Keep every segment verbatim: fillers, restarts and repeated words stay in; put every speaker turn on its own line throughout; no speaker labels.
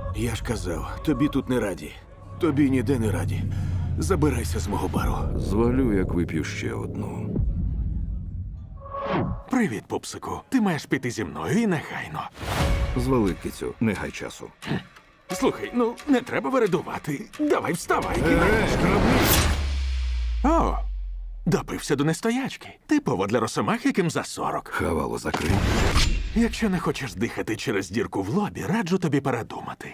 Я ж казав, тобі тут не раді. Тобі ніде не раді. Забирайся з мого бару.
Звалю, як вип'ю ще одну.
Привіт, пупсику. Ти маєш піти зі мною і негайно.
Звали, кицю, не гай часу.
Слухай, ну не треба вередувати. Давай вставай. О, допився до нестоячки. Типово для росомах, яким за сорок.
Хавало закрий.
Якщо не хочеш дихати через дірку в лобі, раджу тобі передумати.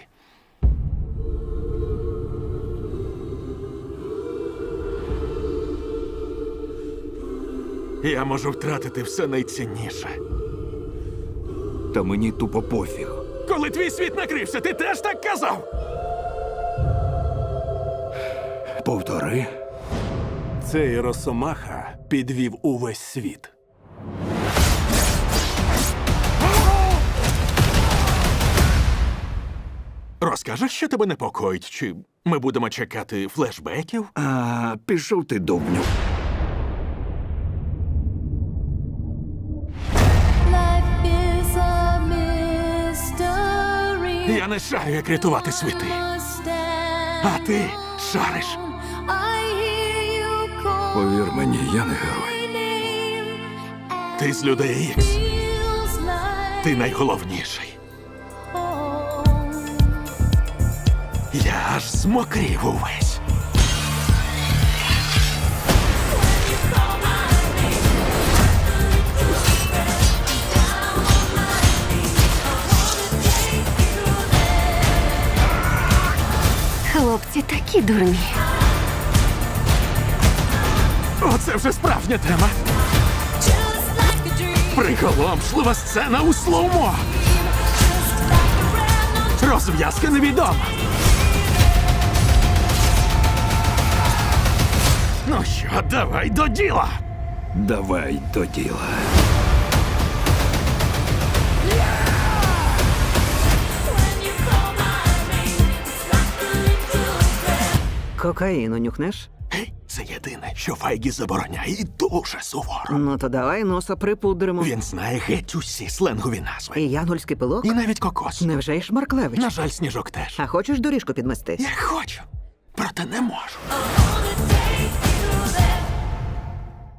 Я можу втратити все найцінніше.
Та мені тупо пофіг.
Коли твій світ накрився, ти теж так казав?
Повтори.
Цей Росомаха підвів увесь світ.
Розкажеш, що тебе непокоїть? Чи ми будемо чекати флешбеків?
А, пішов ти, дубню.
Life is a mystery.
Я не шарю, як рятувати світи. А ти шариш.
I hear you call
Повір мені, я не герой.
my name, and
Ти з людей Ікс.
feels like
Ти найголовніший.
home.
Я аж змокрів увесь.
Хлопці такі дурні.
Оце вже справжня тема.
Just like a dream,
Приголомшлива сцена у слоумо. Розв'язка невідома. Ну що, давай до діла.
Давай до діла.
Кокаїну нюхнеш?
Гей, це єдине, що Файгі забороняє і дуже суворо.
Ну то давай носа припудримо.
Він знає геть усі сленгові назви.
І янгольський пилок?
І навіть кокос.
Невже й Шмарклевич?
На жаль, Сніжок теж.
А хочеш доріжку підмести?
Я хочу, проте не можу.
all the